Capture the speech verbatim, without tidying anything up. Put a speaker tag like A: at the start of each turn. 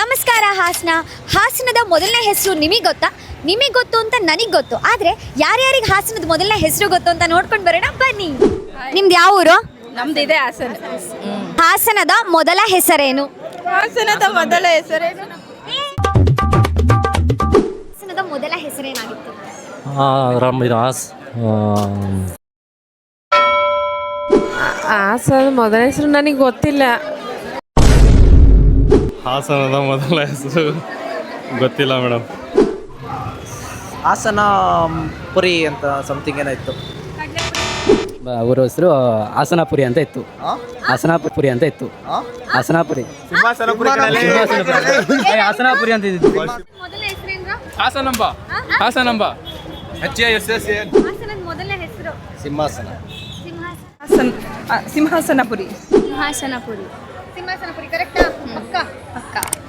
A: ನಮಸ್ಕಾರ ಹಾಸನ. ಹಾಸನದ ಮೊದಲನೇ ಹೆಸರು ನಿಮಗೆ ಗೊತ್ತಾ? ನಿಮಗೆ ಗೊತ್ತು ಅಂತ ನನಗೆ ಗೊತ್ತು, ಆದರೆ ಯಾರ್ಯಾರಿಗೆ ಹಾಸನದ ಮೊದಲನೇ ಹೆಸರು ಗೊತ್ತು ಅಂತ ನೋಡ್ಕೊಂಡು ಬರೋಣ ಬನ್ನಿ. ನಿಮ್ದು ಯಾವ ಊರು?
B: ನಮ್ದು ಇದೆ ಹಾಸನ.
A: ಹಾಸನದ ಮೊದಲ ಹೆಸರೇನು?
B: ಹಾಸನದ ಮೊದಲ ಹೆಸರೇನು?
A: ಹಾಸನದ ಮೊದಲ ಹೆಸರೇನಾಗಿತ್ತು?
B: ಹಾಸನ ಮೊದಲ ಹೆಸರು ನನಗೆ ಗೊತ್ತಿಲ್ಲ.
C: ಹಾಸನದ ಮೊದಲ ಹೆಸರು ಗೊತ್ತಿಲ್ಲ ಮೇಡಮ್.
D: ಹಾಸನ ಪುರಿ ಅಂತ ಸಮಥಿಂಗ್ ಏನೋ ಇತ್ತು.
E: ಅವರ ಹೆಸರು ಹಾಸನಪುರಿ ಅಂತ ಇತ್ತು. ಹಾಸನಪುರಿ ಅಂತ ಇತ್ತು. ಹಾಸನಪುರಿ ಹಾಸನಪುರಿ ಅಂತ ಇತ್ತು.
A: ಮೊದಲ ಹೆಸರೇನು?
F: ಹಾಸನಂಬ ಹಾಸನಂಬ
A: ಹಾಸನದ ಮೊದಲ ಹೆಸರು
D: ಸಿಂಹಾಸನ.
B: ಹಾಸನ ಸಿಂಹಾಸನಪುರಿ.
A: ಸಿಂಹಾಸನಪುರಿ. ಸಿಂಹಾಸನಪುರಿ ಕರೆಕ್ಟಾ? ಪಕ್ಕ ಪಕ್ಕ